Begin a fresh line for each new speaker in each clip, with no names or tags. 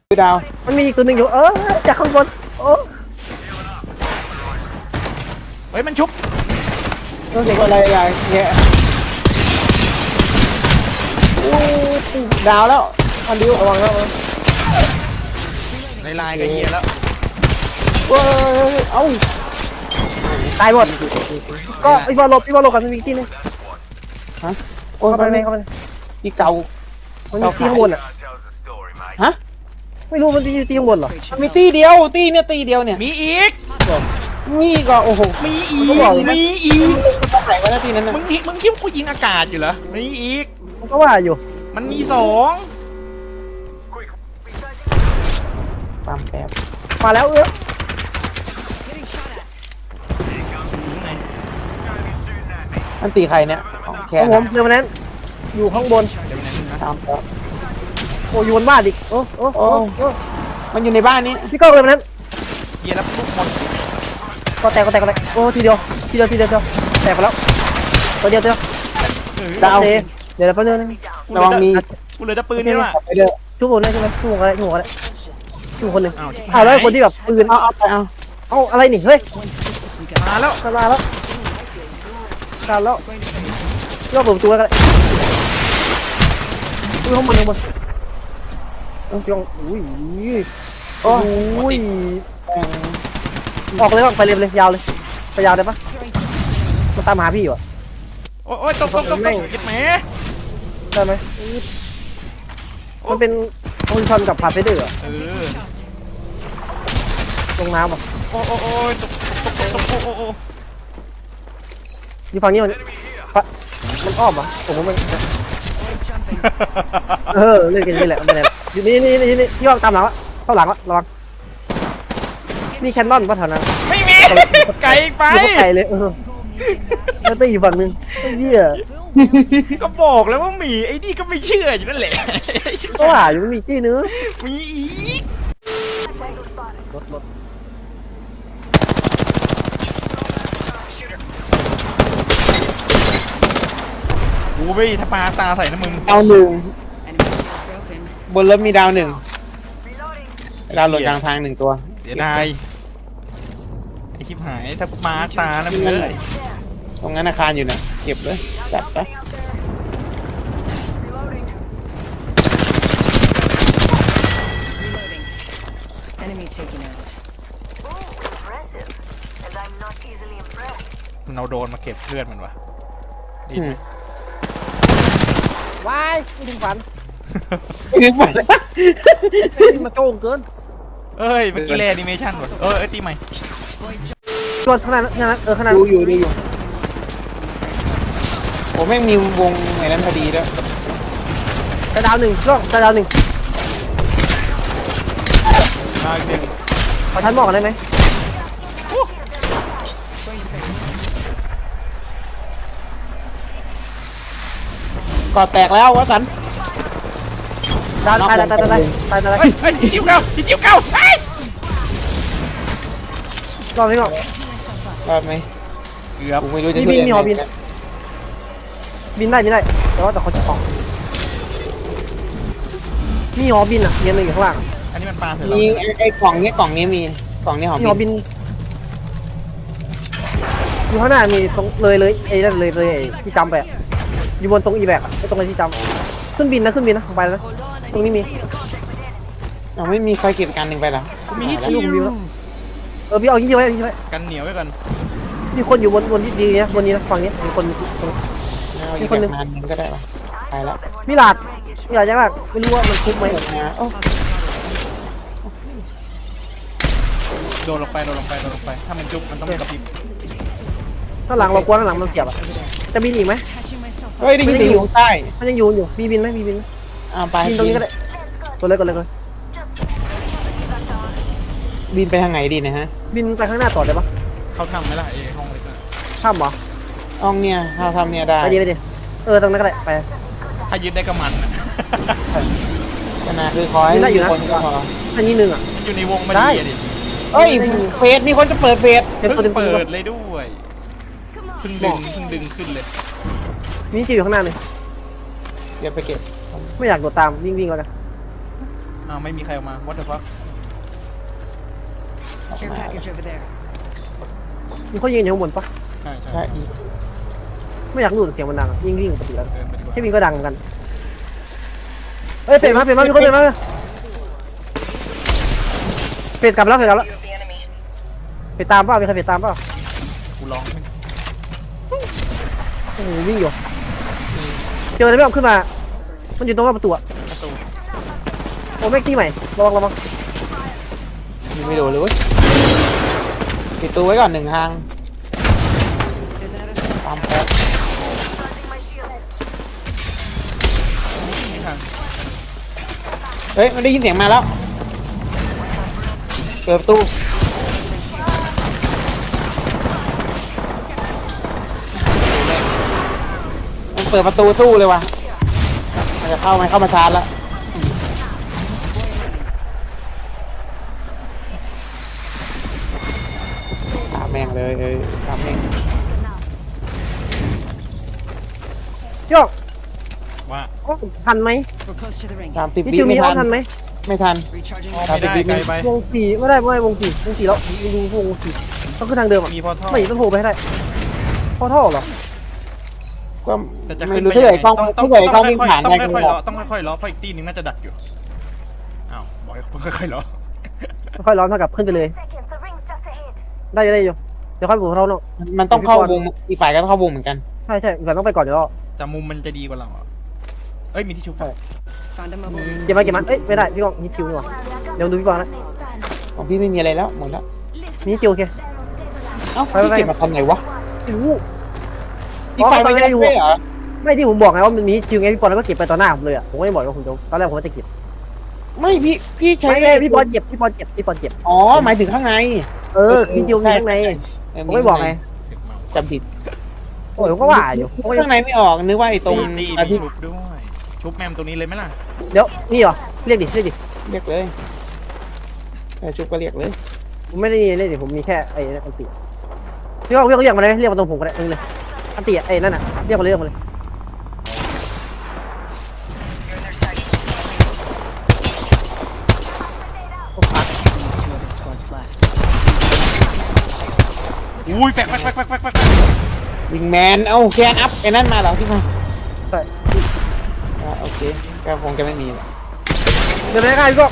ดาว
มันมีอีกตัวหนึ่งอยู่จากข้างบน
เฮ้ยมันชุบ
ต้องเด็กอะไรอย่างเงี้ยดาวแล้วอันดิวระวังแล้ว
ลายกับเฮียแล้ว
เอ้า
ตายหมดก็อีบอลลบกันมีที่นึง
ฮะ
เข้าไปเข้าไป
ที่เก่า
มันมีที่ข้างบนอ่ะ
ฮะ
ไม่รู้มันมีที่ข้างบนหรอ
มีตีเดียวตีเนี่ย
มีอีก
มีก็โอ้โห
มีอีกไหน
วะตีนั้นน่ะ
มึงคิดว่ากูยิงอากาศอยู่เหรอมีอีก
มันก็ว่าอยู่
มันมี2
ปั๊มแป๊บ
มาแล้ว
มันตีใครเนี่ย
แค่ผมเดี๋ยวนั้นอยู่ข้างบน
ตามแล้ว
โอ้ยบนบ้านอีก
มันอยู่ในบ้านนี้
พี่ก้องเลยมันนั้น
เฮียแล้วลูกหมด
ก็แตกโอ้ทีเดียวแตกไปแล้วตัวเดียว
ดาว
เดี๋ยวแป๊บนึง
ระวังมี
กูเหลือแต่ปืนนี่ว่ะ
ทุกคนได้ใช่ไหมทุกคนอะไรทุกคนหนึ่งแล้วคนที่แบบปืนเอาอะไรนี่เฮ้ย
มาแล้ว
ย่อเปิดประตูแล้วกันข้างบนจ้องอุ้ยออกเลยไปเลยยาวเลยไปยาวได้ปะมันตามหาพี่อยู่อ่ะ
โอ้ยตกเก็บแหม
ได้ไหมมันเป็นโอลิชอนกับพาเฟเดอร์ลงน้ำอ่ะ
โอ้ตก
อยู่ฝั่งนี้มันอ้อมอ่ะผมว่ามันเล่นกันนี่แหละไม่ได้อยู่นี่พี่ว่าตามหลังวะเข้าหลังวะระวังนี่แคนนอนป่ะแถวนั้น
ไม่มีไกลไป
ไกลเลยแล้วตีอยู่ฝั่งนึงเหี้ย
ก็บอกแล้วว่ามีไอ้นี่ก็ไม่เชื่ออยู่นั่นแหละ
ก็ว่าอยู่มันมีจี้เนื้อ
มีอีก
รถ
กูไม่ทำปลาตาใส่นะมึง
ดาว1บนรถมีดาว1ดาวหล่นกลางทาง1ตัว
เสียดายไอ้ชิบหายถ้าปลาตาแล้วมึงเลย
ตรงนั้นอาคารอยู่นะเก็บเลยจัดไป
มันเอาโดนมาเก็บเพื่อนมันวะดีไหม
ว้ายไม่ถึงฝันมาโจงเกิน
เอ้ยเมื่อกี้แลนิเมชั่นวะตีใหม่
ชวนขนาดขนาด
ดูอยู่ผมไม่มีวงไหนนั้นพอดีด้วย
แต่ดาว1ช่วงแต่ดาว1
มาอีกหนึ่ง
ขอทันบอกกันได้ไหม
ก่อแตกแล้ววะสัน
ตาย
จิ้วเก้าร
อดไหม
เกือบ
ไม่รู้จะ
บินได้แต่เขาจะออกมีหอบินอ่ะเย็นเลยอยู่ข้างล่าง
อันนี้มันปลาเสร็จ
มีไอ้กล่องนี้มีกล่องนี้หอ
บินอยู่ข้างหน้ามีตรงเลยไอ้นั่นเลยที่จำไปอยู่บนตรงอีแบกไอ้ตรงไอ้ที่จำขึ้นบินนะไปแล้วตรงนี้มี
ไม่มีใครเก็บการหนึ่งไปหรอ
มีชิว
พี่เอายิงไว้
กันเหนียวไว้ก่อน
มีคนอยู่บนที่ดีนะบนนี้นะฝั่งนี้มีคนหนึ่ง
ก็ได้ป่ะไปแล้ว
มิลาดยังไงไม่รู้ว่ามันคุ้มไหม
โดนลงไปถ้ามันจุ๊บมันต้องกระพริบ
ข้างหลังเรากลัวข้างหลังมันเสียบจะบินอีกไหม
เฮ้ยได้ยินเสียงอยู่ใต้
มันยังอยู่มีบินไหมบินตรงนี้ก็ได้กดเลย
บินไปทางไหนดีนะฮะ
บินไปข้างหน้าต่อได้ปะ
เขาทำไหมล่ะไอ้ห้องเล็กน่ะ
ทำเหรอ
ห้องเนี่ยเขาทำเนี่ยได้
ไปดิตรงนั้นก็ได้ไป
ถ้ายึดได้ก็มันนะ
ขนาดคือคอยคนก็พอ
อันนี้นึงอ่ะ
มันอยู่ในวงมันดีดิ
เฮ้ยเฟสมีคนจะเปิดเฟส
เปิดเลยด้วยเพิ่งดึงขึ้นเลย
นี่จะอยู่ข้างหน้าเลย
เดี๋ยวไปเก็บ
ไม่อยากโดดตามวิ่งแล้วกัน
อ้าวไม่มีใครออกมา what the fuck
Care package over there.
มีเขายืนอยู่ข้างบนปะ
ใช่ใช่
ใช่
ไม่อยากรู้เสียงมันดังยิ่งวิ่งปกติแล้ว
เดินไปดีกว่า
แค่วิ่งก็ดังเหมือนกันเอ้ยเปลี่ยนมามีคนเปลี่ยนมาเปลี่ยนกลับแล้วเปลี่ยนตามเปล่ามีใครเปลี่ยนตามเปล่า
กูร้องไม่
โอ้โหวิ่งอยู่เจออะไรไม่ออกขึ้นมามันอยู่ตรงหน้าประตูอะ
ประตู
โอ้แม็กที่ใหม่ระวัง
ยิงไม่โดนเลยเว้ยปิดตัวไว้ก่อน1 ทาง
There's another squad.
ตามแป๊บ
ไม่ทัน
เฮ้ยมันได้ยินเสียงมาแล้วเปิดประตูมันเปิดประตูสู้เลยว่ะมันจะเข้ามาชาร์จแล้วตามแม่งเลยตามแม่ง
โยก
ว่า
โอ้ทันไหม
We're close to the ring.
ตามติด
นี่
วิ
จิวมี
ไม่
อ้อ
ทัน
ทันไหม
ไม่ทัน
Recharging.
อ๋อไม่ได้ไกลไป
วงสี่ไม่ได้วงสี่แล้วดูวงสี่ต้องขึ้นทางเดิมอ่ะ
มีพอท่อ
ไม่ต้องโผล่ไปให้ได้พอท่อเหรอ
ก็
แต่จะ
ไม่
ขึ้น
รู้
ไป
ถ้า
ยั
เกิด
งไง
กล้อง
ต้อง
ถ้าเกิดกล้องวิ่งผ่าน
ต้อง
ได้ก็
ค่อย
บ
ๆ
อ
ล้อก ต้องค่อยๆล้อเพราะอีกตีนึงน่าจะดักอยู่อ้าวบอกให้ค่อยๆล้อ
ค่อยร้อนเท่ากับขึ้นไปเลย ได้อยู่เดี๋ยวค่อยบุกเราเนาะ
มันต้องเข้าวงอีกฝ่ายก็ต้องเข้าวงเหมือนกัน
ใช่แต่ต้องไปก่อนเดี๋ยวรอ
แต่มุมมันจะดีกว่าเราอ่ะเอ้ยมีที่ชุบไฟ
Found a mobile.
เก็บมันเอ้ยไม่ได้พี่กองมีคิวนี่หว่าเดี๋ยวดูพี่กองนะ
ของพี่ไม่มีอะไรแล้วหมดแล้ว
มีคิวโอเค
เอ้า
ไป
พี่เก็บมาทำไงวะ
ไม่รู้
อีกฝ่ายมันยังไม่เหรอ
ไม่ที่ผมบอกไงว่ามันมีคิวไงพี่บอลแล้วก็เก็บไปต่อหน้าผมเลยอ่ะผมก็ไม่บอกว่าผมจะตอนแรกผมว่าจะเก็บ
ไม่พี่ใช้
ไม่พี่บอลเก็บ
อ๋อหมายถึงข้างใน
มีคิวมีข้างในผมไม่บอกไง
เสียงเมา
จำผิด
โอ้ยผมก็ว่าอยู่ผมก็
ข้างในไม่ออกนึกว่าไอ้ตรง
ตี
อา
มี
ทิตย์
ชุบด้วยชุบแมมตัวนี้เลยไหมล่ะ
เดี๋ยวนี่เหรอเรียกดิ
เรียกเลยชุบก็เรียกเลย
ผมไม่ได้เรียกดิผมมีแค่ไอ้อันติพี่กองเรียกมาเลยเรียกมาตรงผมก็ได้เลยอันติไอ้นั่นน่ะเรียกมาเลย
Two other squads left.
อุ้ยแฟก
วิงแมนเอาแคนอัพไอ้นั่นมาเหรอใช่ไหม
ใช่
โอเคก็คงจะไม่มีแหละ
เดี๋ยวง่ายพี่กอง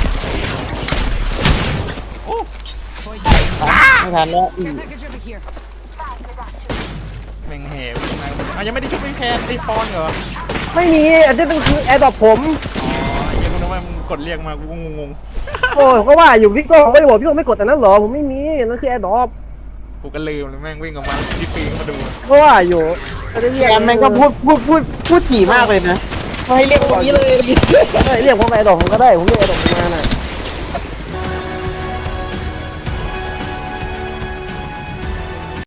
ไม่ทันแล้ว
Care package over here.
แม่งแหวยังไงยังไม่ได้ชุบไม่แค่ไอ้ปอนเหรอ
ไม่มีอันนี้คือแอร์ดรอปผม
อ๋อยังไม่รู้ว่ามึงกดเรียกมากูงง
โอ้ยก็ว่าอยู่พี่กองไม่บอกพี่กองไม่กดแต่นั้นเหรอผมไม่มีนั่นคือแอร์ดรอป
กูก็ลืมเลยแม่งวิ่งออกมาที่ปีนมาดู
ก็ว่าอยู่ก็ได้เรียก
แคนมันก็พูดถี่มากเลยนะให้เรียกตรงนี้เลย
เรียกผมแอร์ดรอปผมก็ได้ผมเรียกแอร์ดรอปมาน่ะ